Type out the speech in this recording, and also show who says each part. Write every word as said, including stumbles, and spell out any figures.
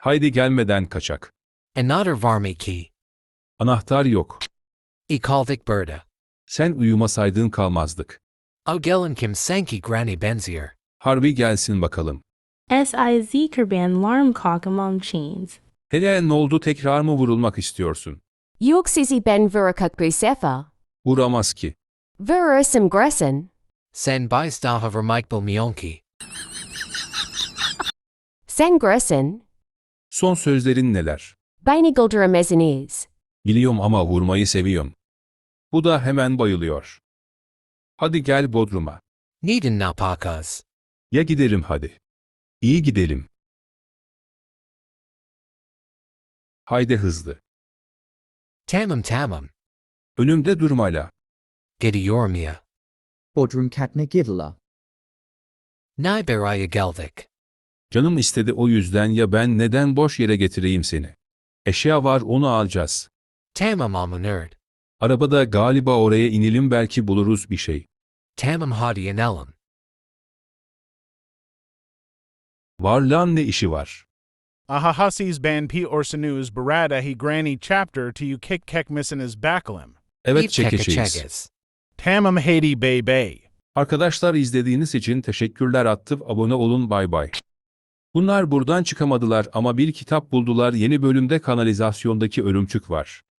Speaker 1: Haydi gelmeden kaçak.
Speaker 2: Another varmiki.
Speaker 1: Anahtar yok.
Speaker 2: Ikalvik Berta.
Speaker 1: Sen uyumasaydın kalmazdık.
Speaker 2: O gelin kim sanki granny benzier.
Speaker 1: Harbi gelsin bakalım.
Speaker 3: S I Z Kurban Larm Kakamam Chains.
Speaker 1: Hele ne oldu, tekrar mı vurulmak istiyorsun?
Speaker 4: Yok sizi ben vurakak bu sefer.
Speaker 1: Vuramaz ki.
Speaker 4: Vurursam gressen.
Speaker 2: Sen bijstahover Michael Mionki.
Speaker 4: Sen gressen.
Speaker 1: Son sözlerin neler?
Speaker 4: Beni güldüremezsiniz.
Speaker 1: Biliyorum ama vurmayı seviyorum. Bu da hemen bayılıyor. Hadi gel Bodrum'a.
Speaker 2: Neden napakas.
Speaker 1: Ya gidelim hadi. İyi gidelim. Haydi hızlı.
Speaker 2: Tamam tamam.
Speaker 1: Önümde durmayla.
Speaker 2: Gidiyormia.
Speaker 5: Bodrum Katna Gidala.
Speaker 2: Niberaya gelvik.
Speaker 1: Canım istedi, o yüzden ya ben neden boş yere getireyim seni? Eşya var, onu alacağız.
Speaker 2: Tamam almanerd.
Speaker 1: Arabada galiba, oraya inelim, belki buluruz bir şey.
Speaker 2: Tamam hadi inelim.
Speaker 1: Var lan, ne işi var?
Speaker 6: Ahahasis ban p orsanuz barada he granny chapter to you kick kekmissinus bakalim.
Speaker 1: Evet,
Speaker 2: İp
Speaker 1: çekeceğiz.
Speaker 2: çekeceğiz.
Speaker 6: Tamam hadi bay bay.
Speaker 1: Arkadaşlar, izlediğiniz için teşekkürler. Attıp abone olun, bay bay. Bunlar buradan çıkamadılar ama bir kitap buldular. Yeni bölümde kanalizasyondaki örümcek var.